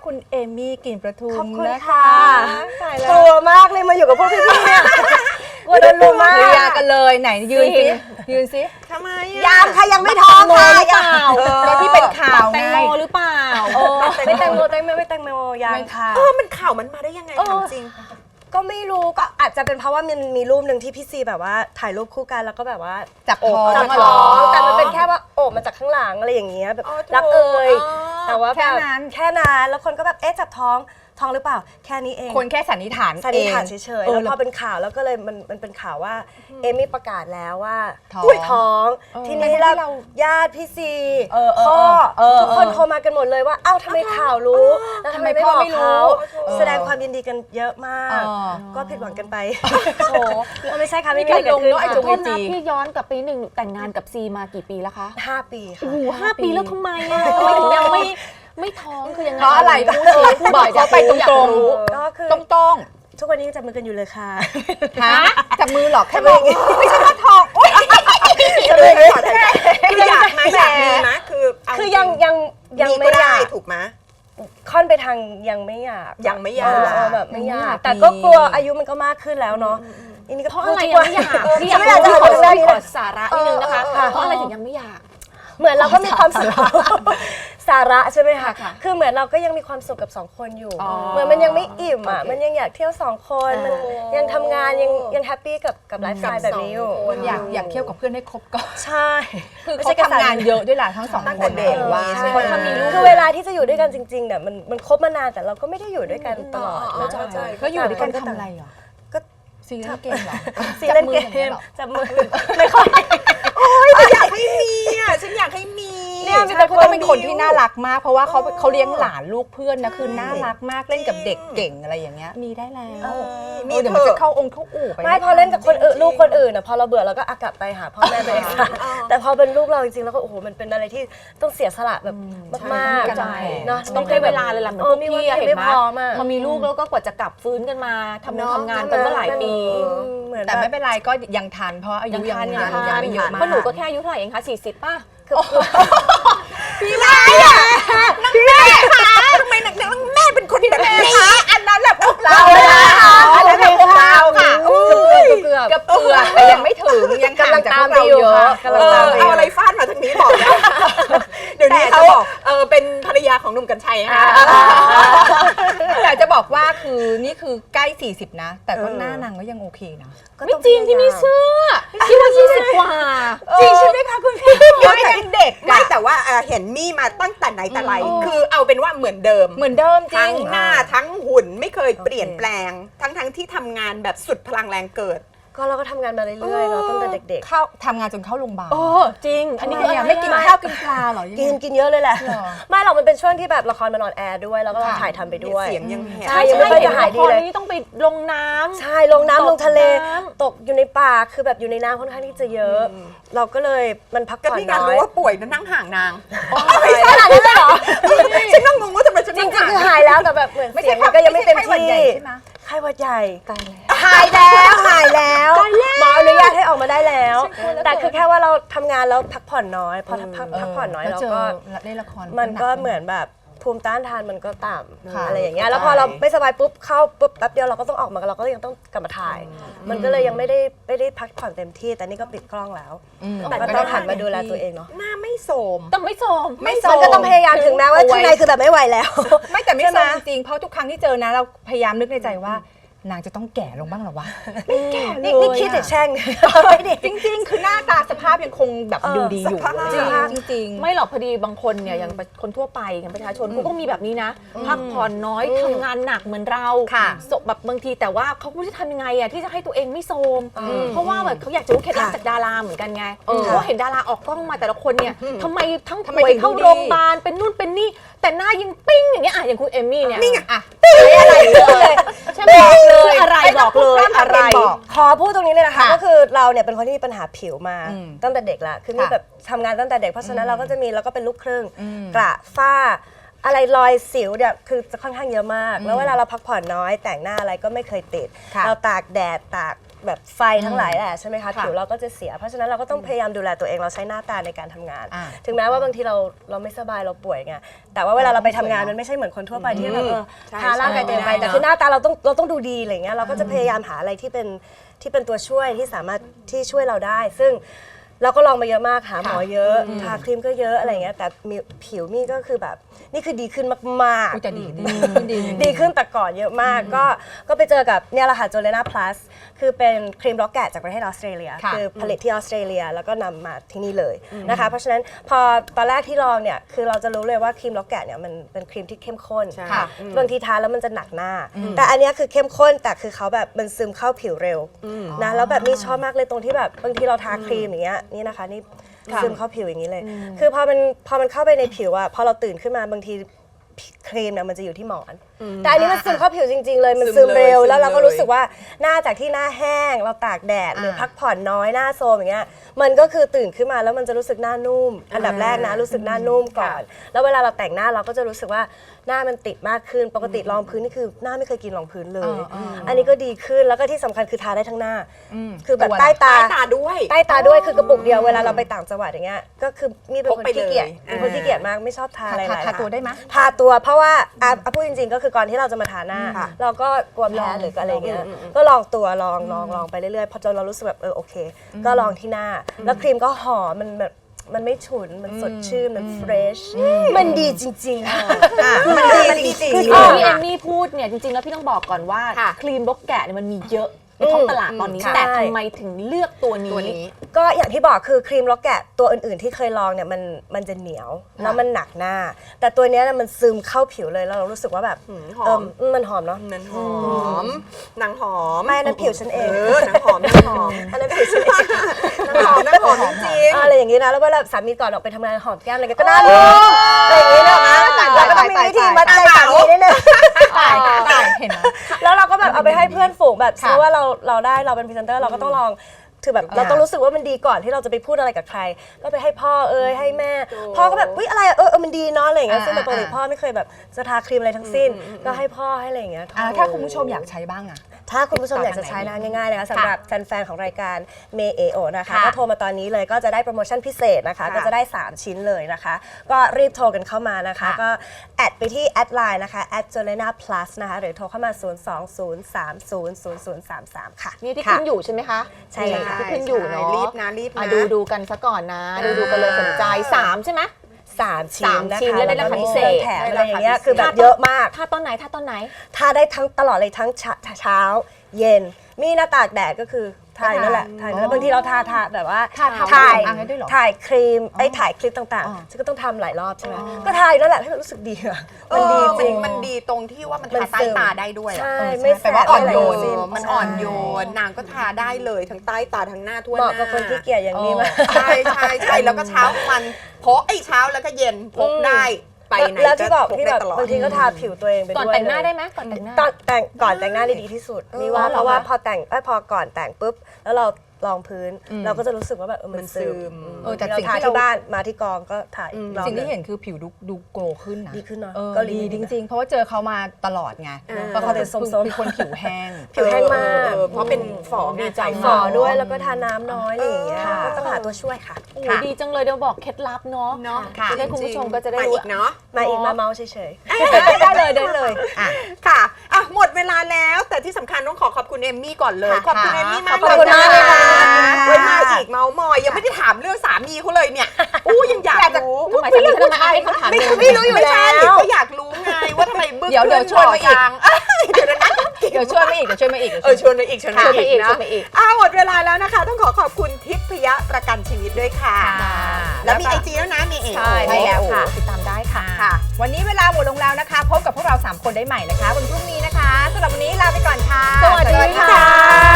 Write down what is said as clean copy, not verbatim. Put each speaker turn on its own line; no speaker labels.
คุณเอมี่กลิ่นประทุม
ขอบคุณ
นะคะ
ค่ะกลัวมากเลยมาอยู่กับพวกพี่ๆเนี่ยกลัวโดนลุมมาก
เคลียร์กันเลยไหนยืนสิยืนสิ
ทำไม
ยังค่ะยังไม่ท้องค่ะ
เปล่าก็ที่เป็นข่าว
แต
ไง
งโมหรือเปล่า
ไม่แตงโมไม่แตงโมยังค่ะ
มันข่าวมันมาได้ยังไงถามจริง
ก็ไม่รู้ก็อาจจะเป็นเพราะว่ามันมีรูปหนึ่งที่พี่ซีแบบว่าถ่ายรูปคู่กันแล้วก็แบบว่า
จับท้อง
จับท้องแต่มันเป็นแค่ว่าโอบมาจากข้างหลังอะไรอย่างเงี้ยแบบ
อ๋อโถ
รักเอ่ย
อ๋อ
แต่ว่า
แค่
แบบ
นั้น
แค่นั้นแล้วคนก็แบบเอ๊ะจับท้องหรือเปล่าแค่นี้เอง
คนแค่สันนิษฐาน
สันนิษฐาน
เอง
เฉยๆแล้วพอเป็นข่าวแล้วก็เลยมันเป็นข่าวว่าเอมี่ประกาศแล้วว่า
ท้อง
อุ้ยท้อง ทีนี้
ทั้งที่เรา
ญาติพี่ซี
เออ
พ่อ
เออ
ทุกคนโทรมากันหมดเลยว่าเอ้าทำไมข่าวรู้แล้วทำไมไม่บอก
ทำไมพ่อไม่รู้
เขา
เออ
แสดงความยินดีกันเยอะมาก
เออ
ก็ผิดหวังกันไป
โอ้
ไม่ใช่ค่ะไม่มี
นี่
อะไรเกิดขึ้น
ลงเนอะไอ้
ข
จุ
อโทษ
จริ
นะ
ง
พี่ย้อนกลับไปนิดนึงแต่งงานกับซีมากี่ปีแล้วคะ
5 ปีค่ะ
โอ้โห5 ปีแล้วทำไมอ่ะทำไมถึงยังไม่ท้องคือยังไง
เพราะอะไร
พูดสิพูด
บอกเขาไปตรง
ก็คือ
ๆตรง
ทุกวันนี้ยังจับมือกันอยู่เลยค่ะ
ๆฮะจับมือหรอกแค่บอกไม่ใช่ว่าทองโอ๊ย
จะเลยขอถ่ายคืออยากไหมอยากมีไหมคือเอา
คือยัง
มี
ไม่
ก็
อ
ได้
ยาก
ถูกไหม
ค่อนไปทางยังไม่อยาก
ยังไม่อยาก
แบบไม่อยากแต่ก็กลัวอายุมันก็มากขึ้นแล้วเนาะอันนี้ก็
เพราะอะไรยังไม่อยากพี่
ไม่อยากจะ
ข
ขอ
อ
เรื่องนี้
ขอสาระนิดนึงนะคะ เพราะอะไรถึงยังไม่อยาก
เหมือนเราก็มีความสุขสาระใช่ไหมคะ
ค่ะ
คือเหมือนเราก็ยังมีความสุขกับ2 คนอยู่
อ๋อ
เหมือนมันยังไม่อิ่มอ่ะ
โอเค
มันยังอยากเที่ยว2 คนมันยังทำงานยังแฮปปี้กับไลฟ์สไตล์แบบนี้อยู่
อยากเที่ยวกับเพื่อนให้ครบก่อน
ใช่
คือ
ไม่
เขา
ใช่แค่
ทำงานเยอะด้วยล่ะทั้งสอง
ตั้ง
ค
แต่
น
เด็ก
ว่า
ใช่
คนเขามีลูก
คือเวลาที่จะอยู่ด้วยกันจริงๆเนี่ยมันคบมานานแต่เราก็ไม่ได้อยู่ด้วยกันตลอดนะ
ใช่
เขาอยู่ด้วยกันทำอะไรเหรอ
ก็
ซีเล่นเกมเหรอ
ซีเล่นเก
จับมืออย่างเงี้ย
ม
เหรอ
จับมือไม่ค่อย
อยากให้มีอ่ะฉันอยากให้มี
เนี่ยมี
ใช่เขาต้องเป็นคนที่น่ารักมาก เพราะว่าเขาเลี้ยงหลานลูกเพื่อนนะคือน่ารักมากเล่นกับเด็กเก่งอะไรอย่างเงี้ยมีได้แล้วเดี๋ยวมันจะเข้าองค์เข้าอู่ไป
ไม่พอเล่นกับคนอื่นลูกคนอื่นนะพอเราเบื่อเราก็กลับไปหาพ่อแม่ตัวเองค่ะแต่พอเป็นลูกเราจริงๆแล้วก็โอ้โหมันเป็นอะไรที่ต้องเสียสละแบบมาก
ใช่
ๆเนาะ
ต้องให้เวลาเลยล่ะเหมือนพวกพี่อะเห็น
ไม่
ไหม
พร้อมอะ
พอมีลูกแล้วก็กว่าจะกลับฟื้นกันมาทำงานกันก็หลายปี
เหมือน
แต่ไม่เป็นไรก็ยังทันเพราะอายุยังไม่เยอะมาก
เพราะหนูก็แค่อายุเท่าไหร่เองคะ40ป่ะ
พี่แม่พี่แม่ทำไมหนักแม่เป็นคนแบบนี้อันนั้นแหละพวกเราอันนั้นแหละพวกเราค่ะ
เกือบ
กับเปลือกแต่ยังไม่ถึงยังห่างจากพวกเราเยอะ
กำลังตามไปอยู่
เอาอะไรฟาดมาทางนี้บอกนะเดี๋ยวนี้เขาเป็นภรรยาของหนุ่มกัญชัยค่ะ
แต่จะบอกว่าคือนี่คือใกล้40นะแต่ก็หน้านางก็ยังโอเคนะ
ไม่จริงที่มีเสื้อที่ว่า20 กว่า
จริงใช่ไหมคะคุณพี่ยังเด็ก
ไม่แต่ว่าเห็นมี่มาตั้งแต่ไหนแต่ไรคือเอาเป็นว่าเหมือนเดิม
เหมือนเดิมจริ
ทั้
ง
งหน้าทั้งหุ่นไม่เคยเปลี่ยนแปลง ทั้งที่ทำงานแบบสุดพลังแรงเกิด
ก็เราก็ทำงานมาเรื่อยๆเนาะตั้งแต่เด็ก
เข้าทำงานจนเข้าโรงพยาบาล
โอ้จริง อันนี้คืออะไร
ไม่กินข้าวกินปลาหรอ
ๆกินเยอะเลยแหละ
หรอ
ไม่หรอกมันเป็นช่วงที่แบบละครมันออนแอร์ด้วยแล้วก็เรา
ค่ะ
ถ่ายทำไปด้วย
เสียงยังแหบ
ใช่ยังไม่ค่อยจะหายดีเลย
นี่ต้องไปลงน้ำ
ใช่ลงน้ำลงทะเล
ตกน้ำ
ตกอยู่ในป่าคือแบบอยู่ในน้ำค่อนข้างที่จะเยอะ เราก็เลยมันพัก
ก็
ผ่อน
ที่งาน
น้อ
รู้
ย
ว่าป่วยนั่งห่างนาง
ขนาดนั้นเลยเหรอ
ฉันนั่งงงว่าทำไมฉัน
จ
นั่ง
ริง
ห่าง
ๆคือหายแล้วแต่แบบเหมือนเสียงมันก็ยังไม่เต็มที่
ใช่ไหม
ไข้หวัดใหญ่หายแล้วหมออนุญาตให้ออกมาได้แล้ว แต่คือแค่ว่าเราทำงานแล้วพักผ่อนน้อยพอพักผ่อนน้อยเราก็
เล่นละคร
มันก็เหมือนแบบภูมิต้านทานมันก็ต่
ค่ะ
ำอะไรอย่างเงี้ยแล้วพอเราไม่สบายปุ๊บเข้าปุ๊บแป๊บเดียวเราก็ต้องออกมาเราก็ยังต้องกลับมาถ่าย มันก็เลยยังไม่ได้พักผ่อนเต็มที่ แต่นี่ก็ปิดกล้องแล้ว แต่ก็ต้องหันมาดูแลตัวเองเนาะ
หน้าไม่โสม
ต้องไม่โสม
มันก็ต้องพยายามถึงแม้ว่าข้างในคือแบบไม่ไหวแล้ว
ไม่แต่ไม่
ใช่ไห
ท
ม
ราบจริงๆเพราะทุกครั้งที่เจอนะเราพยายามนึกในใจว่านางจะต้องแก่ลงบ้างหรอวะไม่แก่เลย
นี่คิดแต่แช่งไม่ดี
จริงๆ คือหน้าตาสภาพยังคงแบบดูดีอยู่
สภาพ
จริง
ไม่หรอกพอดีบางคนเนี่ยอย่างคนทั่วไปอย่างประชาชนเขาก็มีแบบนี้นะ พักผ่อนน้อยทำงานหนักเหมือนเรา
ค่ะ
แบบบางทีแต่ว่าเขาไม่รู้จะทำยังไงอะที่จะให้ตัวเองไม่โทรมเพราะว่าแบบเขาอยากจะรู้เคล็ดลับจากดาราเหมือนกันไงเพราะเห็นดาราออกกล้องมาแต่ละคนเนี่ยทำไมทั้งป่วยเข้าโรงพยาบาลเป็นนู่นเป็นนี่แต่หน้ายังปิ้งอย่างเงี้ยอะอย่างคุณเอมมี่เนี่ย
นี่ไง
ๆอ่ะอะไรเลย
ใช่ไหมบอกเลยอะไรบอกเลยอะไร
ขอพูดตรงนี้เลยนะคะ
ค่ะ
ก็คือเราเนี่ยเป็นคนที่มีปัญหาผิวมา
อืม
ตั้งแต่เด็กละคือมี
ค่ะ
แบบทำงานตั้งแต่เด็กเพราะฉะนั้นเราก็จะมีแล้วก็เป็นลูกครึ่ง
อืม
กระฝ้า อะไรรอยสิวเนี่ยคือจะค่อนข้างเยอะมาก แล้วเวลาเราพักผ่อนน้อยแต่งหน้าอะไรก็ไม่เคยติด
ค่ะ
เราตากแดดตากแบบไฟทั้งหลายแหละใช่ไหมคะผิวเราก็จะเสียเพราะฉะนั้นเราก็ต้องพยายามดูแลตัวเองเราใช้หน้าตาในการทำงาน ถึงแม้ว่าบางทีเราไม่สบายเราป่วยไงแต่ว่าเวลาเราไปทำงานมันไม่ใช่เหมือนคนทั่วไปที่แบบทาร่างกายเต็มไปแต่คือหน้าตาเราต้องดูดีอะไรเงี้ยเราก็จะพยายามหาอะไรที่เป็นตัวช่วยที่สามารถที่ช่วยเราได้ซึ่งเราก็ลองมาเยอะมากหาหมอเยอะทาครีมก็เยอะอะไรเงี้ยแต่ผิวมี่ก็คือแบบนี่คือดีขึ้นมากๆ
แต่ดี
ขึ้นแต่ก่อนเยอะมากก็ไปเจอกับเนี่ยแหละค่ะ Jolena Plus คือเป็นครีมล็อกแกะจากประเทศออสเตรเลียคือผลิตที่ออสเตรเลียแล้วก็นำมาที่นี่เลยนะคะเพราะฉะนั้นพอตอนแรกที่ลองเนี่ยคือเราจะรู้เลยว่าครีมล็อกแกะเนี่ยมันเป็นครีมที่เข้มข้นบางทีทาแล้วมันจะหนักหน้าแต่อันเนี้ยคือเข้มข้นแต่คือเขาแบบมันซึมเข้าผิวเร็วนะแล้วแบบนี่ชอบมากเลยตรงที่แบบบางทีเราทาครีมอย่างเงี้ยนี่นะคะนี่ซึมเข้าผิวอย่างนี้เลยคือพอมันเข้าไปในผิวอะพอเราตื่นขึ้นมาบางทีครีมเนี่ยมันจะอยู่ที่หมอนแต่อันนี้มันซึมเข้าผิวจริงๆเลยมันซึมเร็วแล้วเราก็รู้สึกว่าหน้าจากที่หน้าแห้งเราตากแดดหรือพักผ่อนน้อยหน้าโซมอย่างเงี้ยมันก็คือตื่นขึ้นมาแล้วมันจะรู้สึกหน้านุ่มอันดับแรกนะรู้สึกหน้านุ่มก่อนแล้วเวลาเราแต่งหน้าเราก็จะรู้สึกว่าหน้ามันติดมากขึ้นปกติรองพื้นนี่คือหน้าไม่เคยกินรองพื้นเลยอันนี้ก็ดีขึ้นแล้วก็ที่สำคัญคือทาได้ทั้งหน้าคือแบบใต้ตาด้วยคือกระปุกเดียวเวลาเราไปต่างจังหวัดอย่างเงี้ยก็คือมีเป็นคนที่เกียจมากไม่ชอบทาอะไรหลาย
ทาตัวได้ไหม
ทาตัวเพราะว่าพูดจริงๆก็คือก่อนที่เราจะมาทาหน้าเราก็กลัวแพ้หรืออะไรเงี้ยก็ลองตัวลองไปเรื่อยๆพอจนเรารู้สึกแบบโอเคก็ลองที่หน้าแล้วครีมก็หอมมันแบบมันไม่ฉุนมันสดชื่นมันเฟรชมันดีจริงๆมันดีจริง
คือที่พี่เอมมี่พูดเนี่ยจริงๆแล้วพี่ต้องบอกก่อนว่าครีมล็อกแกะเนี่ยมันมีเยอะในท้องตลาดตอนนี้แต่ทำไมถึงเลือกตัวนี้
ก็อย่างที่บอกคือครีมล็อกแกะตัวอื่นๆที่เคยลองเนี่ยมันจะเหนียวแล้วมันหนักหน้าแต่ตัวเนี้ยมันซึมเข้าผิวเลยแล้วเรารู้สึกว่าแบบมันหอมเนาะ
นั้นหอมนางหอม
ไม่นั่นผิวฉันเอง
นางหอมนางหอม
อันนั้นผิวฉันเอง
นางหอมจริง
อะไรอย่างนี้นะแล้วเวลาสามีก่อนออกไปทำงานหอมแก้มอะไรก็น่ารักอะไรอย่างนี้นะคะเราก็ต้องมีวิธีมัดใจสามีนิดนึง
เห็นไหม
แล้วเราก็แบบเอาไปให้เพื่อนฝูงแบบซื้อว่าเราเป็นพรีเซนเตอร์เราก็ต้องลองคือแบบเราต้องรู้สึกว่ามันดีก่อนที่เราจะไปพูดอะไรกับใครก็ไปให้พ่อให้แม่พ่อก็แบบอะไรมันดีเนาะอะไรอย่างเงี้ยซึ่งปกติพ่อไม่เคยแบบจะทาครีมอะไรทั้งสิ้นก็ให้พ่อให้อะไรอย่างเงี้ย
ถ้าคุณผู้ชมอยากใช้บ้างอะ
ถ้าคุณผู้ชมอยากจะใช้นะง่ายๆเลยนะสำหรับแฟนๆของรายการเมเอโอนะคะก็โทรมาตอนนี้เลยก็จะได้โปรโมชั่นพิเศษนะคะก็จะได้3ชิ้นเลยนะคะก็รีบโทรกันเข้ามานะคะก็แอดไปที่แอดไลน์นะคะ@Jolena Plus นะคะหรือโทรเข้ามา020300033ค่ะ
นี่ที่ขึ้นอยู่ใช่ไหมคะ
ใช่เลยค่ะ
ที่ขึ้นอยู่เนาะ
รีบนะ
ดูกันซะก่อนนะดูกันเลยสนใจ3ใช่ไหม
3 ชิ้นนะคะ
ชิ้นแล้วได้ราคาพิเศษ
แถมอะไรอย่างเงี้ยคือแบบเยอะมาก
ทาตอนไหน
ทาได้ทั้งตลอดเลยทั้งเช้าเย็นมีหน้าตากแดดก็คือถ่ายนั่นแหละถ่ายแล้วบางทีเราทาแบบว่าถ่ายครีมถ่ายคลิปต่างๆฉันก็ต้องทำหลายรอบใช่ไหมก็ถ่ายนั่นแหละให้มันรู้สึกดีอะมันดีจริง
มันดีตรงที่ว่ามัน
มัน
ทาใต้
ซึม
ตาได้ด้วย
ใช่ไม่แส
แต่
บ
ว่าอ่อนโยน
ไม่ะไรทั้งสิ้
มันอ่อนโยนนางก็ทาได้เลยทั้งใต้ตาทั้งหน้าทั่วห
เห
น้า
มาะกับคนที่เกียจอย่างนี้มาก
ใช่แล้วก็เช้ามันพกเช้าแล้วก็เย็นพกได้ไปไหน
แล้วที่บอก
พ
ที่
ได้
แบบ
ตลอด
บางทีก็ทาผิวตัวเองไปด้วย
ก่อนแต่งหน้าได้ไหมก่อนแต่งหน้า
ก่อนแต่งหน้าได้ดีที่สุดนี่ว่าเพราะว่าพอก่อนแต่งปุ๊บแล้วเรารองพื้นเราก็จะรู้สึกว่าแบบมันซึม
แต่
เรา
สิ่ง
ทา
ที่เรา
ที่บ้านมาที่กองก็ถ่ายรอบ
สิ่งที่
เลย
เห็นคือผิวดูโกลว์ขึ้นนะ
ดีขึ้นเนอะ
ก็
เกาหลี
ดีจริงๆ เพราะว่าเจอเขามาตลอดไงเพราะเขาเป็นคนผิวแห้ง
ผิวแห้งมาก
เพราะเป็นฝ่อดีใจ
ฝ่อด้วยแล้วก็ทาน้ำน้อยอะไรอย่างเงี้ยก็ต้องหาตัวช่วยค่ะ
โอ้โหดีจังเลยเดี๋ยวบอกเคล็ดลับเนาะ
เนาะ
จะได้คุณผู้ชมก็จะได้
มา
รู้
อีกเนาะ
มาอีกมาเมาส์เฉย
ได้เลย
ค่ะหมดเวลาแล้วแต่ที่สำคัญต้องขอบคุณเอมมี่ก่อนเลย ขอบคุณเอมมี่มาก
ขอบคุณมากเลยค่ะ
ไว้มาอีกเมาส์มอยยังไม่ได้ถามเรื่องสามีเขาเลยเนี่ยยังอยากรู้
ทำไมทำไมให้เขาถามเลย
ไม่รู้อยู่แล้ว
ไม่ใช่ก็อยากรู้ไงว่าทำไมบึ้ง
เดี๋ยวชวนมาอีก
เดี๋ยวนะ
เดี๋ยวช่วยมาอีก
ชวนมาอีกชวนมาอีกนะ หมดเวลาแล้วนะคะต้องขอบคุณทิพยประกันชีวิตด้วยค่ะ แล้วมีไอจีแล้วนะมีเอ
ใช่แล้วค่ะติดตามได้ค่ะ วันนี้เวลาหมดลงแล้วนะคะ พบกับพวกเรา3คนได้ใหม่นะคะวันพรุ่งนี้นะคะสำหรับวันนี้ลาไปก่อนค่ะ
สวัสดีค่ะ